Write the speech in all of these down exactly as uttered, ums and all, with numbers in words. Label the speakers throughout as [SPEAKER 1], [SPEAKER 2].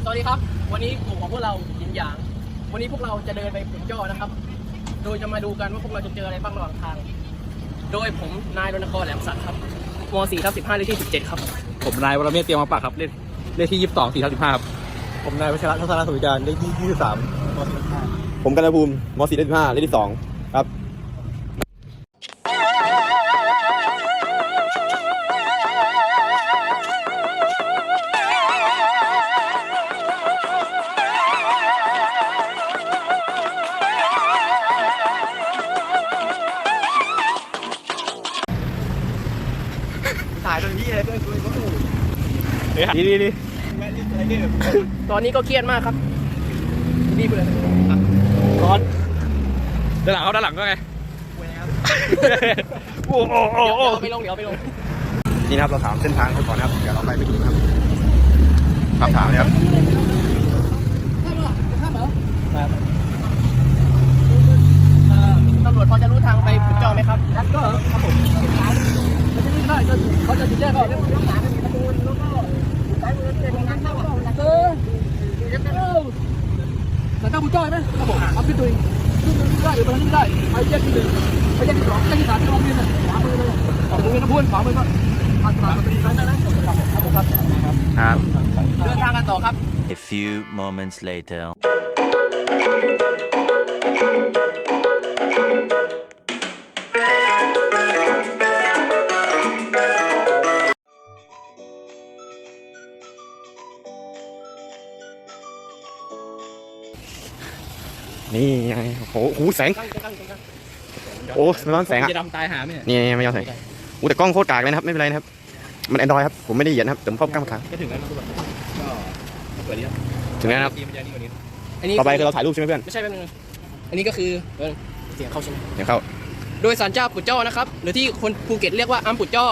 [SPEAKER 1] สวัสดีครับวันนี้กลุ่มของพวกเรายินหยางวันนี้พวกเราจะเดินไปขุนจ้อนะครับโดยจะมาดูกันว่าพวกเราจะเจออะไรบ้างระหว่างทางโดยผมนายรณกรแหลมสัตย์ครับม .สี่ ทับสิบห้าเลขที่สิบเจ็ดครับ
[SPEAKER 2] ผมนายวรเมศเตรียมมาปากครับเลขเลขที่ยี่สิบสองสี่ทับสิบห้าครับ
[SPEAKER 3] ผมนายวัชระทัศนสุวิจารเลขที่ยี่สิบสามม .สี่ ทับสิบห้า
[SPEAKER 4] ผมกันภูมิม .สี่ ทับสิบห้าเลขที่สองครับ
[SPEAKER 3] ถ่ายตรงนี้เลยเพื่อนคุยก็ถูก
[SPEAKER 4] ดีดีดี
[SPEAKER 1] ตอนนี้ก็เครียดมากครับรีบเลย
[SPEAKER 2] ร้อนด้านหลังเขาด้านหลังก็ไงโอ้โหโอ้โห
[SPEAKER 1] ไปลงเดี๋ยวไปลง
[SPEAKER 4] นี่นะครับเราถามเส้นทางเขาก่อนนะครับเดี๋ยวเราไปไปดูนะครับถามถามเลยครับ
[SPEAKER 1] ตำรวจพอจะรู้ทางไปขุนจ้อไหมครับก็ครับผมเขาจะเขาจะติดแจ้งเขาแล้วหาไม่มีประตูแล้วก็สายมือเป็นงานเข้าเออแต่ถ้าขุนจ้อไหมครับผมเอาขึ้นตัวเองขึ้นได้หรือไปทางนี้ได้ไปแยกที่หนึ่งไปแยกที่สองแยกที่สามที่โรงเรียนน่ะขวามือเลยขวามือนะพูดขวามือก็ผ่านผ่านมาเป็นร้านนั้นครับผมครับ
[SPEAKER 4] ครับ
[SPEAKER 1] เดินทางกันต่อครับ
[SPEAKER 5] A few moments later.
[SPEAKER 4] นี่ไงโอ้โหหูแสงโอ้ไม่ร้อนแสงอ่ะ
[SPEAKER 2] จะดำตายหาไหม
[SPEAKER 4] นี่ไม่ย้อนแสงโอ้แต่กล้องโคตรกากเลยนะครับไม่เป็นไรนะครับมันแอนดรอยครับผมไม่ได้เหยียดนะครับแต่ผมเข้ากล้องขา
[SPEAKER 2] ก็ถึงแล้วนะทุกคนก็สวัสดีครับ
[SPEAKER 4] ถึงแล้วนะครับ
[SPEAKER 1] อันนี้
[SPEAKER 4] ต่อไปคือเราถ่ายรูปใช่ไหมเพื่อน
[SPEAKER 1] ไม่ใช่แป๊บนึงอันนี้ก็คือเออเสียงเข้าใช่ไหม
[SPEAKER 4] เดี๋ยวเข้า
[SPEAKER 1] โดยศาลเจ้าปุจจ้อนะครับหรือที่คนภูเก็ตเรียกว่าอัมปุจจ้อก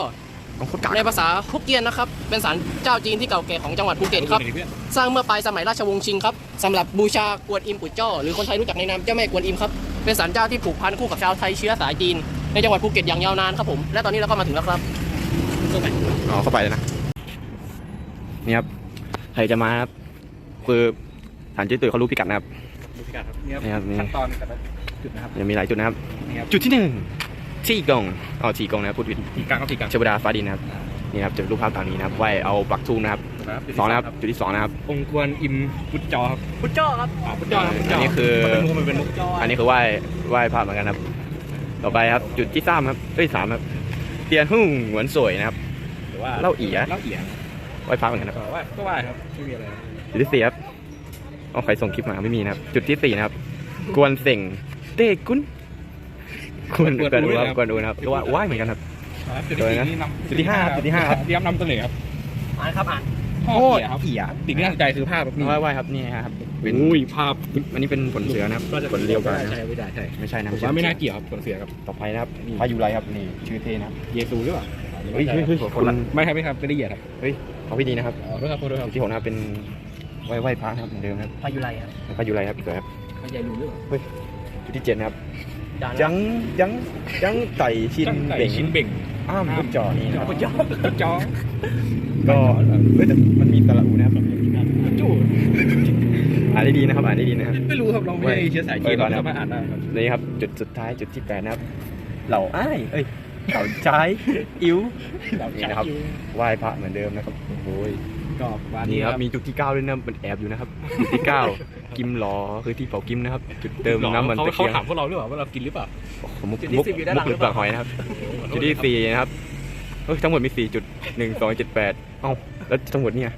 [SPEAKER 4] ล้องโคตรกาก
[SPEAKER 1] ในภาษาฮกเกี้ยนนะครับเป็นศาลเจ้าจีนที่เก่าแก่ของจังหวัดภูเก็ตครับสร้างเมื่อปลายสมัยราชวงศ์ชิงครับสำหรับบูชากวนอิมปุจจ้อหรือคนไทยรู้จักในนามเจ้าแม่กวนอิมครับเป็นศาลเจ้าที่ผูกพันคู่กับชาวไทยเชื้อสายจีนในจังหวัดภูเก็ตอย่างยาวนานครับผมและตอนนี้เราก็มาถึงแล้วครับ
[SPEAKER 4] อ๋อเข้าไปเลยนะนี่ครับใครจะมาครับคือฐานเจ๊ตุ๋ยเขารู้พิกัดนะครับ
[SPEAKER 2] ดูพิกัดครับนี่
[SPEAKER 4] นี่
[SPEAKER 2] ค
[SPEAKER 4] ครั
[SPEAKER 2] รับบ
[SPEAKER 4] นี่
[SPEAKER 2] ขั้นตอนแต่ละจุดนะครับ
[SPEAKER 4] ยังมีหลายจุดนะครับ
[SPEAKER 2] นี่ครับ
[SPEAKER 4] จุดที่หนึ่งที่กงอ๋อที่กงนะครับพูดผิด
[SPEAKER 2] ที่กลางครับที่กลาง
[SPEAKER 4] เชวดาฟ้าดินนะครับนี่ครับจุดรูปภาพตามนี้นะครับไหวเอาปักทูงนะครับสองนะครับจุดที่สองนะครับ
[SPEAKER 2] องค์กวนอิมพุทธจอครับ
[SPEAKER 1] ปุจจ้อครับ
[SPEAKER 2] อ๋อพุทธจอครับพุทธจ
[SPEAKER 4] อันนี้คือ
[SPEAKER 2] เป็นมุกมันเป็นมุก
[SPEAKER 4] อันนี้คือไหว้ไหว้พระเหมือนกันครับต่อไปครับจุดที่สามครับเอ้ยสามครับเตียนหุ่งเหมือนสวยนะครับ
[SPEAKER 2] หรือว่า
[SPEAKER 4] เล่าเอี๋ย
[SPEAKER 2] เล่าเอี๋ย
[SPEAKER 4] ไหว้พระเหมือนกันครับ
[SPEAKER 2] ก็ว่าก็ว่าครับไม่มีอะไร
[SPEAKER 4] จุดที่สี่ครับเอาใครส่งคลิปมาไม่มีนะครับจุดที่สี่นะครับกวนเส่งเต้กุนกวนกวนดูครับกวนดูนะครับก็ว่าไหว้เหมือนกันครับ
[SPEAKER 2] จุดที่สี่นี่นำ
[SPEAKER 4] จุดที่ห้าจุดที่ห้าครับ
[SPEAKER 2] เตรียมนำเสนอครับ
[SPEAKER 1] อ่านครับอ่าน
[SPEAKER 2] พ่อเอี๋ยครับ
[SPEAKER 4] เอี๋ย
[SPEAKER 2] สิ่งที่น่าสนใจคือภาพแบบนี้
[SPEAKER 4] ไหว้ไหว้ครับนี่ครับเป็น
[SPEAKER 2] อุ้ยภาพ
[SPEAKER 4] อันนี้เป็นผลเสือนะครับ
[SPEAKER 2] ก็จะ
[SPEAKER 4] ผลเรียวกันนะ
[SPEAKER 2] ใช่ไม่ได้ใช่
[SPEAKER 4] ไม่ใช่นะ
[SPEAKER 2] ผมว่าไม่น่าเกี่ยวครับผลเสือครับ
[SPEAKER 4] ต่อไปนะครับพายุไรครับนี่ชื่อเทนะครับ
[SPEAKER 2] เยซูหรือเปล่า
[SPEAKER 4] เฮ้ยเฮ้ยเฮ้ยคนละ
[SPEAKER 2] ไม่ครับไม่ครับไม่ได้เหยียดครับ
[SPEAKER 4] เฮ้ยเขาพี่ดีนะครับ
[SPEAKER 2] อ๋อด้วยครับด้วยครับ
[SPEAKER 4] ที่ผมนะครับเป็นไหว้ไหว้พระนะครับเหมือนเดิมครับ
[SPEAKER 1] พายุไรครับ
[SPEAKER 4] พายุไรครับสวยครับ
[SPEAKER 2] ไม่ใช่รู้หรือเปล่า
[SPEAKER 4] จุดที่เจ็ดนะครับ
[SPEAKER 1] จาน
[SPEAKER 4] ยังยังยังไต่ชิน
[SPEAKER 2] ตั้งแต่
[SPEAKER 4] เบ่ง
[SPEAKER 2] ชิ้นเบ่ง
[SPEAKER 4] อ้ามลูกจอนี่นะครับ
[SPEAKER 2] จอจอ
[SPEAKER 4] ก็เฮ้ยแต่มันมีตะละอูนะครับ
[SPEAKER 2] จู่
[SPEAKER 4] อ่านได้ดีนะครับอ่านได้ดีนะครับ
[SPEAKER 2] ไม่รู้ครับเราไม่ใช่เชื้อสายจีน
[SPEAKER 4] ไว้ก่อน
[SPEAKER 2] เรา
[SPEAKER 4] นะ
[SPEAKER 2] สามารถอ่านได้ครับ
[SPEAKER 4] นี่ครับจุดสุดท้ายจุดที่แปดนะครับเหล่าอ้ายเอ้ยเหล่าtráiายอิ๋วนี่นะครับไหว้พระเหมือนเดิมนะครับโอ้ย
[SPEAKER 2] ก็วัน
[SPEAKER 4] นี่
[SPEAKER 2] นี้
[SPEAKER 4] ค
[SPEAKER 2] ค
[SPEAKER 4] รั
[SPEAKER 2] รั
[SPEAKER 4] บบ มีจุดที่เก้าด้วยนะมันแอบอยู่นะครับจุดที่เก้ากิมหลอคือที่เผากิมนะครับจุดเติมน้ำมัน
[SPEAKER 2] เขา
[SPEAKER 4] ตะ
[SPEAKER 2] เขา
[SPEAKER 4] เกียง
[SPEAKER 2] ถามพวกเราหรือเปล่าว่าเรากินหรือเปล่า
[SPEAKER 4] มุกมุกมุกหรือเปลือกหอยนะครับจุดที่สี่นะครับเฮ้ยทั้งหมดมีสี่จุดหนึ่งสองเจ็ดแปดเอ้าแล้วทั้งหมดเนี่ย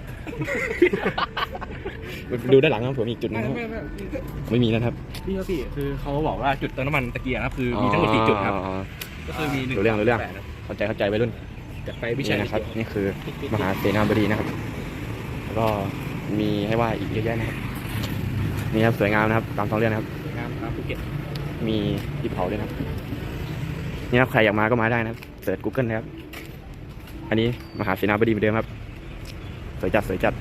[SPEAKER 4] ดูด้านหลังครับผมมีอีกจุดนึงครับไม่มีนะครับ
[SPEAKER 2] พี่เขาสิคือเขาบอกว่าจุดเติมน้ำมันตะเกียงนะครับคือมีทั้งหมดสี่จุดครับก็คือมีหนึ่ง
[SPEAKER 4] รู้เรื่องรู้เรื่องเข้าใจเข้าใจไปรุ่น
[SPEAKER 2] จากไฟวิชัย
[SPEAKER 4] นี่นะครับนี่คือมหาเสนาบดีนะครับแล้วก็มีให้ไหว้อีกเยอะแยะนะครับนี่ครับสวยงามนะครับตามท้องเรื่องนะครับ
[SPEAKER 2] งามครับภูเก็ต
[SPEAKER 4] มีที่เผาด้วยนะครับนี่ครับใครอยากมาก็มาได้นะครับเสิร์ช Google นะครับอันนี้มหาเสนาบดีเหมือนเดิมครับสวยจัดสวยจัด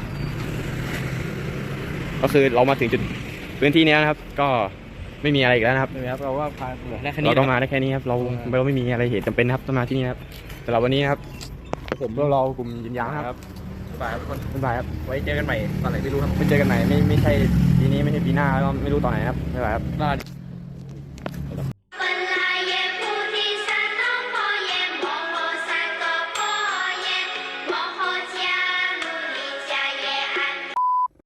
[SPEAKER 4] ก็คือเรามาถึงจุดพื้นที่นี้นะครับก็ไม่มีอะไรอีกแล้วนะครับ
[SPEAKER 2] เลยครับเราว่าพาเหลือแค่นี้
[SPEAKER 4] เราต้องมาได้แค่นี้ครับเราเราไม่มีอะไรเหตุจำเป็นนะครับต้องมาที่นี่นะครับสำหรับวันนี้นะครับผมพวกเรากลุ่มยินยางนะครับ
[SPEAKER 2] บายทุกคน
[SPEAKER 4] บ๊ายบายครับ
[SPEAKER 2] ไว้เจอกันใหม่ตอนไหนไม่รู้ครับ
[SPEAKER 4] ไม่เจอกันไหนไม่ไม่ใช่ปีนี้ไม่ใช่ปีหน้าแล้วก็ไม่รู้ตอนไหนครับบ๊ายบายครับ
[SPEAKER 2] ลา